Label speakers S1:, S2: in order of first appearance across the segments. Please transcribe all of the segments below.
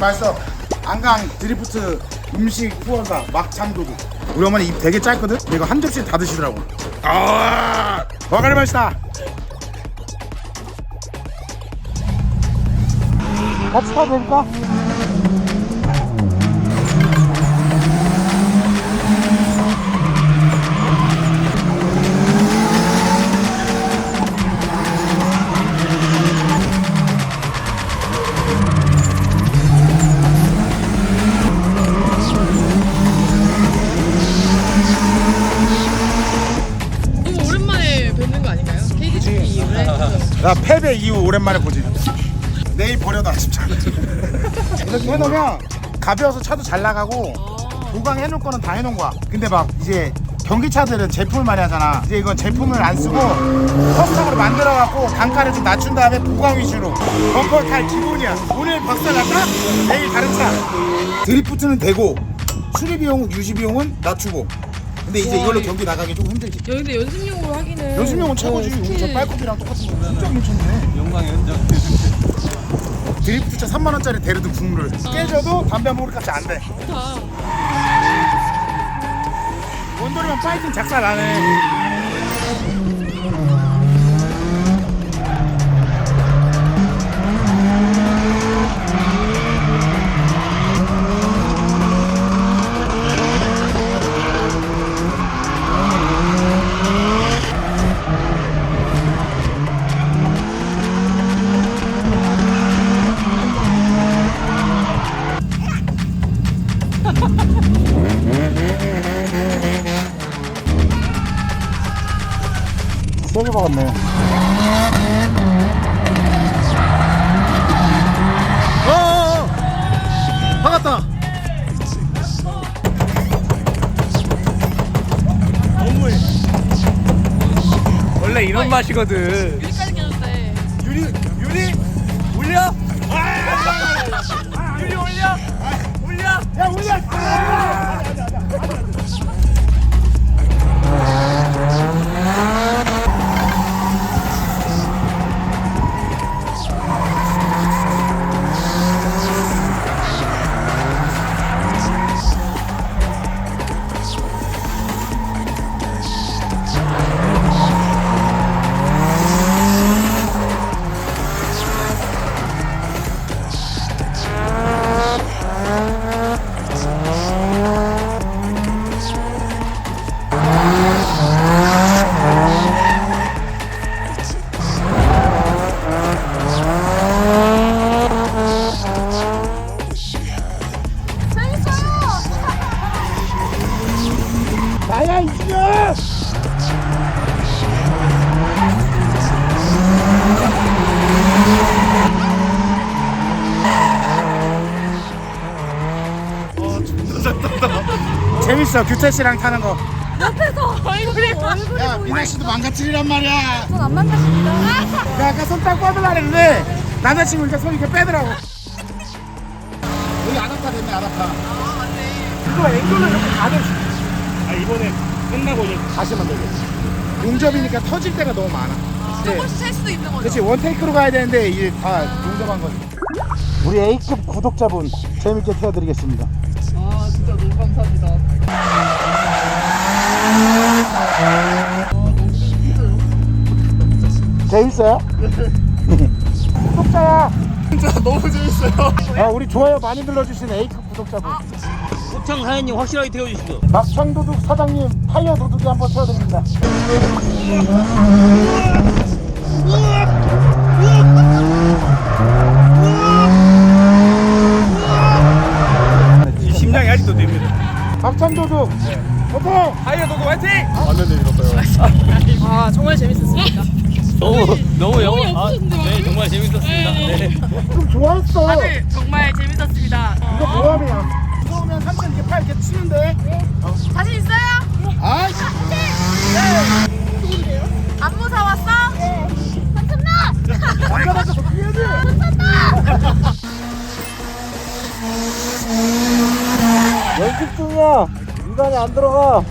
S1: 맛있어. 안강 드리프트 음식 후원사 막창도둑. 우리 어머니 입 되게 짧거든? 근데 이거 한 접시 다 드시더라고. 아, 와가리 맛있다. 같이 타도 될까?
S2: 너무 오랜만에 뵙는 거 아닌가요? KDGP 이후에?
S1: 나 패배 이후 오랜만에 보지. 내일 버려다 진짜. 이렇게 해놓으면 가벼워서 차도 잘 나가고 보강해놓을 거는 다 해놓은 거야. 근데 막 이제 전기차들은 제품을 많이 하잖아. 이제 이건 제품을 안 쓰고 커스텀으로 만들어갖고 단가를 좀 낮춘 다음에 보강 위주로 범퍼 탈 기본이야. 오늘 박살 났다? 내일 다른 차. 드리프트는 되고 수리 비용, 유지 비용은 낮추고. 근데 이제 이걸로 경기 나가기 좀 힘들지.
S2: 야, 근데 연습용으로 하기는
S1: 연습용은 최고지. 우리 저 빨코피랑 똑같은 거 진짜 괜찮네.
S3: 영광의 흔적.
S1: 드리프트차 3만원짜리 데르드 국물을 깨져도 담배 한 모금 값이 안 돼.
S2: 좋다.
S1: 원돌이만 파이팅 작살 나네. 세게 박았네. 박았다.
S3: 너무해. 원래 이런 맛이거든.
S2: 유리까지 깨졌대.
S3: 유리 올려. 유리 올려. 올려.
S1: 야 올려. 나야 이승현! 재밌어. 규태 씨랑 타는 거.
S2: 옆에서 얼굴이
S1: 야 미나 씨도 망가뜨리란 말이야.
S2: 전안 만났습니다.
S1: 내가 아까 손 딱 뻗으려 했는데 남자친구 이렇게 손 이렇게 빼더라고. 여기 아답타 됐네. 아답타.
S2: 아, 맞네.
S1: 이거 앵글로 이렇게 가듯이.
S3: 아 이번에 끝나고 이제
S1: 다시 만들겠 용접이니까 터질 때가 너무 많아.
S2: 조금씩 셀 수도 있는 거죠.
S1: 그렇지 원테이크로 가야 되는데 이게 다 용접한 거지. 우리 A급 구독자분 재밌게 태워드리겠습니다.
S2: 아, 진짜 너무 감사합니다.
S1: 재밌어요? 구독자야.
S3: 진짜 너무 재밌어요.
S1: 아, 우리 좋아요 많이 눌러주신 A급 구독자분.
S3: 호창 사장님 확실하게 태워주시죠.
S1: 막창도둑 사장님 타이어 도둑이 한번 태워드립니다.
S3: 심장이 아직도 됩니다.
S1: 막창도둑 화이팅!
S3: 하이어 도구 화이팅!
S1: 맞는데 이럴까요?
S2: 아, 정말 재밌었습니다.
S3: 너무 영어.
S2: 예쁘셨는데요?
S3: 네 정말 재밌었습니다. 네.
S1: 좀 좋아했어.
S2: 다들 정말 재밌었습니다.
S1: 이거 모함이야. 무서우면 삼촌 이렇게 팔 이렇게 치는데.
S2: 자신 있어요?
S1: 아이씨.
S2: 안 무서웠어? 네. 삼촌나!
S1: 남자답게 더 피해야지. 연습 중이야. 인간이 안 들어가.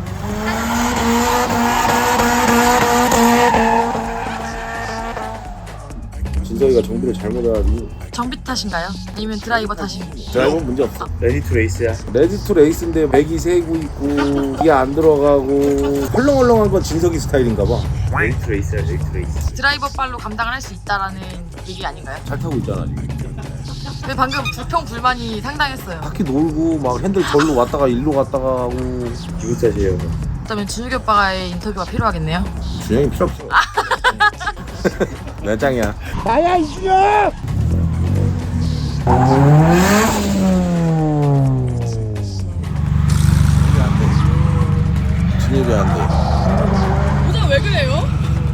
S4: 진석이가 정비를 잘못해가지고.
S2: 정비 탓인가요? 아니면 드라이버 탓인가요?
S4: 드라이버는 문제 없어.
S5: 레디 투 레이스야.
S4: 레디 투 레이스인데 맥이 세고 있고 기어 안 들어가고 헐렁헐렁한 건 진석이 스타일인가 봐.
S5: 레디 투 레이스야. 레디 투 레이스.
S2: 드라이버 발로 감당을 할 수 있다라는 얘기 아닌가요?
S4: 잘 타고 있잖아 지금.
S2: 근데 방금 불평불만이 상당했어요.
S4: 바퀴 놀고 막 핸들 절로 왔다가 일로 갔다가 하고.
S5: 기분 탓이에요.
S2: 그렇다면 준욱이 오빠의 인터뷰가 필요하겠네요.
S4: 준영이 필요 없어. 몇 장이야?
S1: 나야 이준혁.
S4: 진입이 안 돼.
S2: 모자 왜 그래요?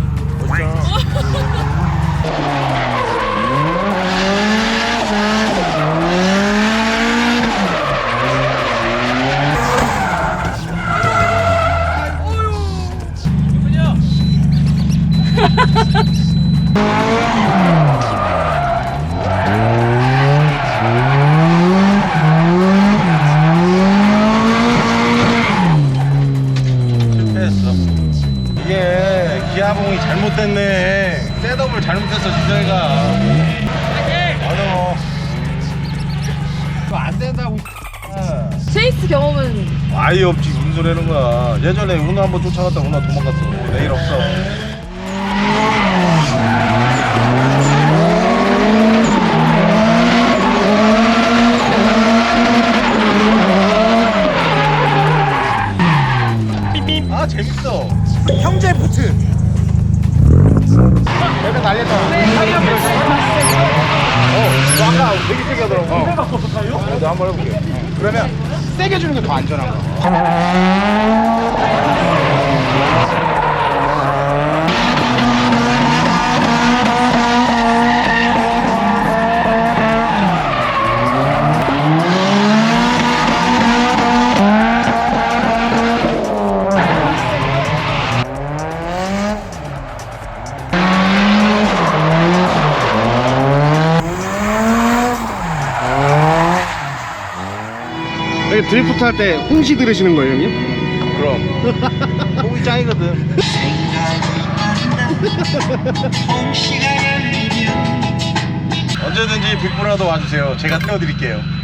S6: 이게 기아봉이 잘못됐네. 셋업을 잘못했어 진정이가. 맞아. 이거 안 된다고.
S2: 체이스 경험은
S6: 아예 없지. 무슨 소리 하는 거야. 예전에 은호 한번 쫓아갔다 은호 도망갔어. 내일 없어. 아 재밌어.
S1: 형제 부트. 내가 날렸다.
S6: 너 아까 되게 세게 하더라고.
S1: 내가 한번 해볼게. 그러면 세게 주는 게 더 안전한 거.
S6: 드리프트 할 때 홍시 들으시는 거예요, 형님? 그럼. 홍이 짱이거든. 언제든지 빅브라더 와주세요. 제가 태워드릴게요.